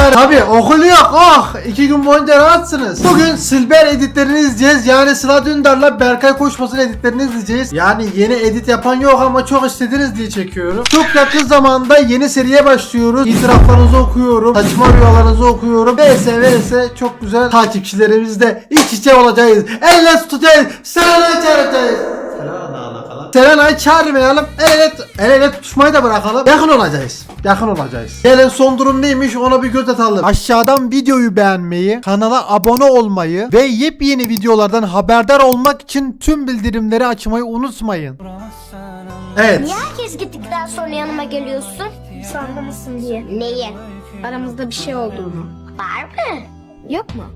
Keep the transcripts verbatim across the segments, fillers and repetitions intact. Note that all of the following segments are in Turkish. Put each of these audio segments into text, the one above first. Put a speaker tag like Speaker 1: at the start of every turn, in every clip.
Speaker 1: Arkadaşlar tabi okul yok. Oh iki gün boyunca rahatsınız. Bugün Silber editlerini izleyeceğiz. Yani Sıla Dündar'la Berkay Koçmas'ın editlerini izleyeceğiz. Yani yeni edit yapan yok ama çok istediniz diye çekiyorum. Çok yakın zamanda yeni seriye başlıyoruz. İtiraflarınızı okuyorum. Saçma rüyalarınızı okuyorum. Vs vs çok güzel takipçilerimizle iç içe olacağız. Elle tutacağız. Serenay çağıracağız. Serenay'ı çağırmayalım. El ele, el ele tutuşmayı da bırakalım. Yakın olacağız. Yakın olacağız. Gelin son durum neymiş ona bir göz atalım. Aşağıdan videoyu beğenmeyi, kanala abone olmayı ve yepyeni videolardan haberdar olmak için tüm bildirimleri açmayı unutmayın. Evet.
Speaker 2: Niye herkes gittikten sonra yanıma geliyorsun? Sanmamışsın diye. Neyi? Aramızda bir şey olduğunu. Var mı? Yok mu?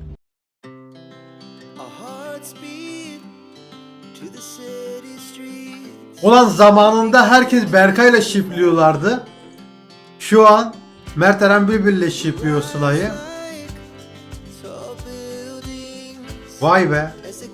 Speaker 1: Ulan zamanında herkes Berkay'la şipliyorlardı. Şu an Mert Eren Bülbül'le şipliyor Sıla'yı. Vay be.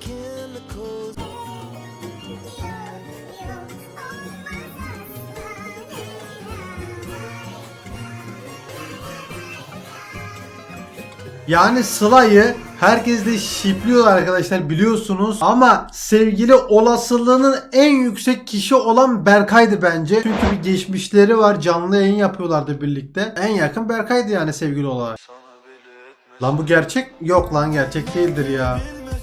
Speaker 1: Yani Sıla'yı herkes de şipliyor arkadaşlar biliyorsunuz ama sevgili olasılığının en yüksek kişi olan Berkay'dı bence. Çünkü bir geçmişleri var, canlı yayın yapıyorlardı birlikte. En yakın Berkay'dı yani sevgili olarak. Lan bu gerçek? Yok lan gerçek değildir ya.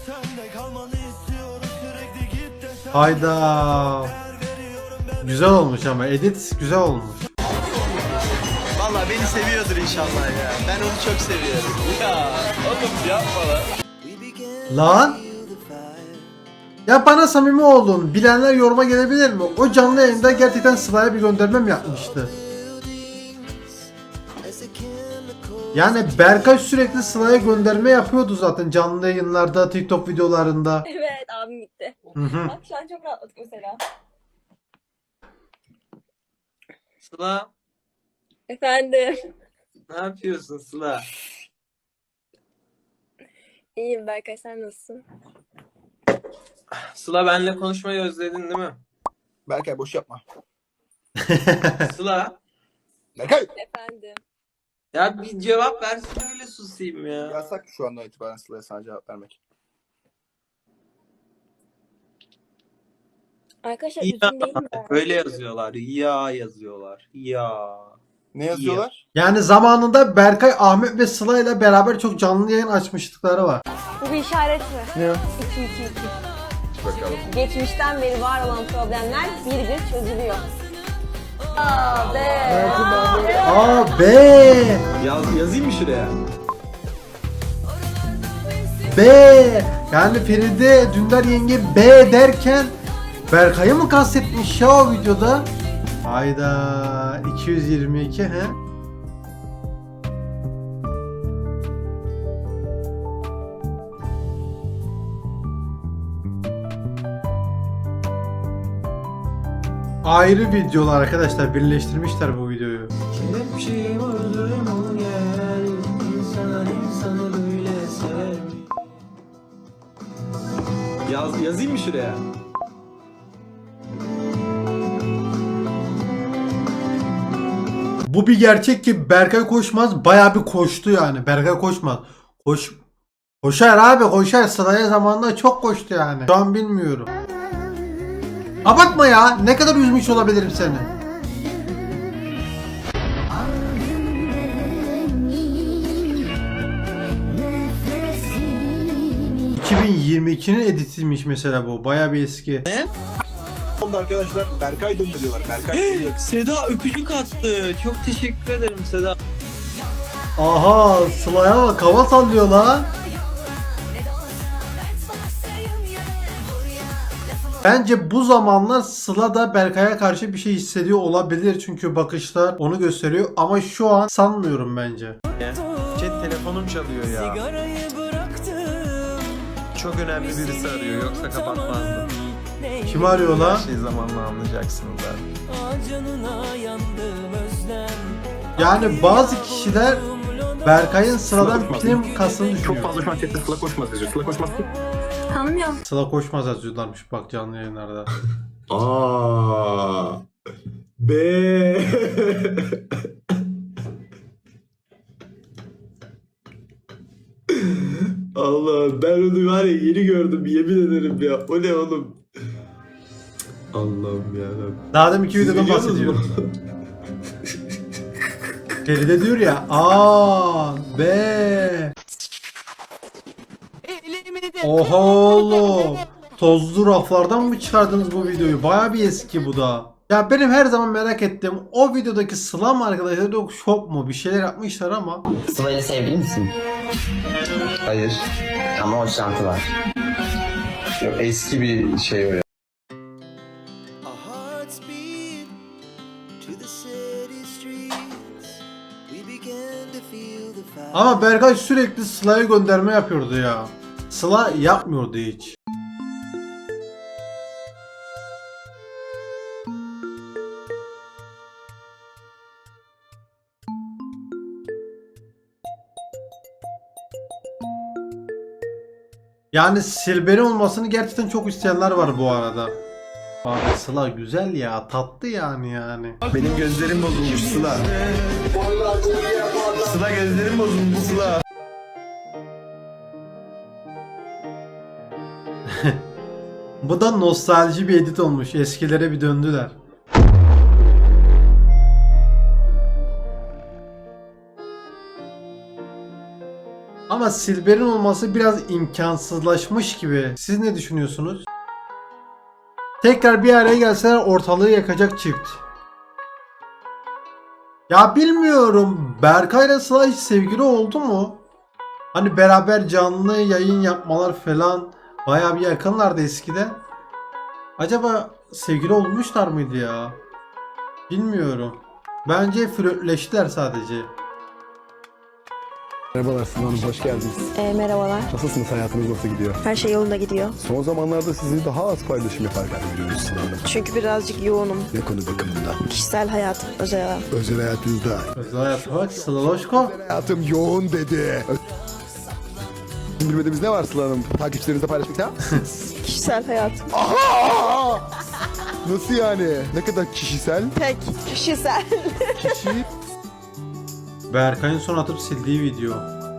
Speaker 1: Hayda. Güzel olmuş ama edit güzel olmuş.
Speaker 3: Valla beni seviyordur inşallah ya. Ben onu çok seviyorum. Ya oğlum yapma lan.
Speaker 1: Lan. Ya bana samimi olun. Bilenler yoruma gelebilir mi? O canlı yayında gerçekten Sıla'ya bir gönderme mi yapmıştı? Yani Berkay sürekli Sıla'ya gönderme yapıyordu zaten canlı yayınlarda, TikTok videolarında.
Speaker 4: Evet abim gitti.
Speaker 1: Hı hı.
Speaker 4: Bak şu an çok rahatladık mesela.
Speaker 3: Sıla
Speaker 4: Efendim.
Speaker 3: ne yapıyorsun Sıla?
Speaker 4: İyiyim Berkay, sen nasılsın?
Speaker 3: Sıla benimle konuşmayı özledin değil mi?
Speaker 5: Berkay boş yapma.
Speaker 3: Sıla
Speaker 5: Berkay!
Speaker 4: Efendim.
Speaker 3: ya bir cevap versin öyle susayım ya.
Speaker 5: Yasak şu andan itibaren Sıla'ya sana cevap vermek.
Speaker 4: Arkadaşlar
Speaker 3: Ya,
Speaker 4: üzgün değil mi?
Speaker 3: öyle yazıyorlar. Ya yazıyorlar. Ya.
Speaker 5: Ne yazıyorlar?
Speaker 1: Yani zamanında Berkay, Ahmet ve Sıla ile beraber çok canlı yayın açmışlıkları var.
Speaker 4: Bu bir işaret mi?
Speaker 5: Ne?
Speaker 4: iki iki iki.
Speaker 5: Bakalım.
Speaker 4: Geçmişten beri var olan problemler bir bir çözülüyor. Aa be.
Speaker 1: Aa be.
Speaker 3: Yaz, yazayım mı şuraya?
Speaker 1: B. Yani Feride Dündar yenge B derken Berkay'ı mı kastetmiş ya o videoda? Hayda iki yüz yirmi iki he? Ayrı videolar arkadaşlar, birleştirmişler bu videoyu.
Speaker 3: Yaz, yazayım mı şuraya?
Speaker 1: Bu bir gerçek ki Berkay Koçmaz bayağı bir koştu yani. Berkay Koçmaz. Koş Koşar abi koşar. Sıraya zamanında çok koştu yani. Şu an bilmiyorum. Abartma ya. Ne kadar üzmüş olabilirim seni. iki bin yirmi ikinin editiymiş mesela bu. Bayağı bir eski.
Speaker 5: Oldu arkadaşlar. Berkay döndü diyorlar. Berkay döndü.
Speaker 3: Seda öpücük attı. Çok teşekkür ederim Seda.
Speaker 1: Aha Sıla'ya bak hava sallıyor lan. Bence bu zamanlar Sıla da Berkay'a karşı bir şey hissediyor olabilir çünkü bakışlar onu gösteriyor ama şu an sanmıyorum bence.
Speaker 6: Chat telefonum çalıyor ya. Çok önemli birisi arıyor yoksa kapatmazdım.
Speaker 1: Kim arıyor
Speaker 6: Her
Speaker 1: lan?
Speaker 6: şeyi zamanla anlayacaksınız abi.
Speaker 1: Yani bazı kişiler Berkay'ın Sıla'dan
Speaker 5: Sıla
Speaker 1: prim kastını
Speaker 5: Çok
Speaker 1: düşünüyor.
Speaker 5: fazla şu an chatte Sıla koşmaz yazıyor. Sıla koşmaz.
Speaker 4: Tanımıyorum.
Speaker 1: Sıla koşmaz yazıyorlarmış bak canlı yayınlarda.
Speaker 5: Aa. B.
Speaker 7: onu var ya yeni gördüm yemin ederim ya. O ne oğlum? Allah'ım yarabbim.
Speaker 1: Daha demin iki
Speaker 7: Siz
Speaker 1: videodan
Speaker 7: biliyorsunuz
Speaker 1: bahsediyorum.
Speaker 7: mu?
Speaker 1: Feride diyor ya A B. Oha oğlum. Tozlu raflardan mı çıkardınız bu videoyu? Baya bir eski bu da. Ya benim her zaman merak ettiğim o videodaki Sılam arkadaşlar da şok mu? Bir şeyler yapmışlar ama.
Speaker 8: Sıla'yla sevgili misin? Hayır. Ama o şartı var. Yok, eski bir şey o ya.
Speaker 1: Ama Berkay sürekli Sıla'ya gönderme yapıyordu ya. Sıla yapmıyordu hiç. Yani Silber'in olmasını gerçekten çok isteyenler var bu arada. Abi Sıla güzel ya, tatlı yani yani.
Speaker 6: Benim gözlerim bozulmuş Sıla. Sıla gözlerim bozulmuş Sıla.
Speaker 1: Bu da nostalji bir edit olmuş. Eskilere bir döndüler. Ama Silber'in olması biraz imkansızlaşmış gibi. Siz ne düşünüyorsunuz? Tekrar bir araya gelseler ortalığı yakacak çift. Ya bilmiyorum. Berkay'la Sıla hiç sevgili oldu mu? Hani beraber canlı yayın yapmalar falan bayağı bir yakınlardı eskiden. Acaba sevgili olmuşlar mıydı ya? Bilmiyorum. Bence flörtleştiler sadece.
Speaker 5: Merhabalar Sıla Hanım, hoş geldiniz.
Speaker 4: E, merhabalar.
Speaker 5: Nasılsınız, hayatınız nasıl gidiyor?
Speaker 4: Her şey yolunda gidiyor.
Speaker 5: Son zamanlarda sizi daha az paylaşım yaparken görüyoruz Sıla Hanım.
Speaker 4: Çünkü birazcık yoğunum.
Speaker 5: Ne konu bakımından?
Speaker 4: Kişisel hayatım, özel hayatım.
Speaker 5: Özel hayatınızda.
Speaker 1: Özel hayata bak Slaloşko.
Speaker 5: Hayatım yoğun dedi. Bilmediğimiz ne var Sıla Hanım? Takipçilerinize paylaşmak ister misiniz?
Speaker 4: Kişisel hayatım.
Speaker 5: Aha! Nasıl yani? Ne kadar kişisel?
Speaker 4: Tek. Kişisel.
Speaker 5: Kişi...
Speaker 1: Berkay'ın son atıp sildiği video.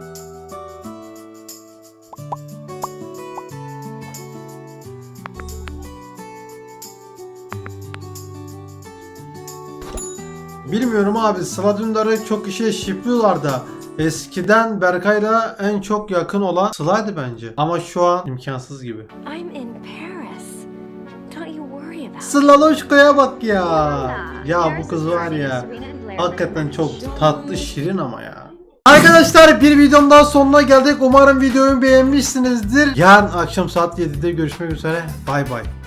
Speaker 1: Bilmiyorum abi, Sıla Dündar'ı çok kişiye şipliyorlar da eskiden Berkay'la en çok yakın olan Sıla'ydı bence. Ama şu an imkansız gibi.
Speaker 2: I'm in Paris. Don't you worry about it.
Speaker 1: Slaloşko'ya bak ya. Ya bu kız var ya. Hakikaten çok tatlı, şirin ama ya. Arkadaşlar bir videom daha sonuna geldik. Umarım videoyu beğenmişsinizdir. Yarın akşam saat yedide görüşmek üzere. Bay bay.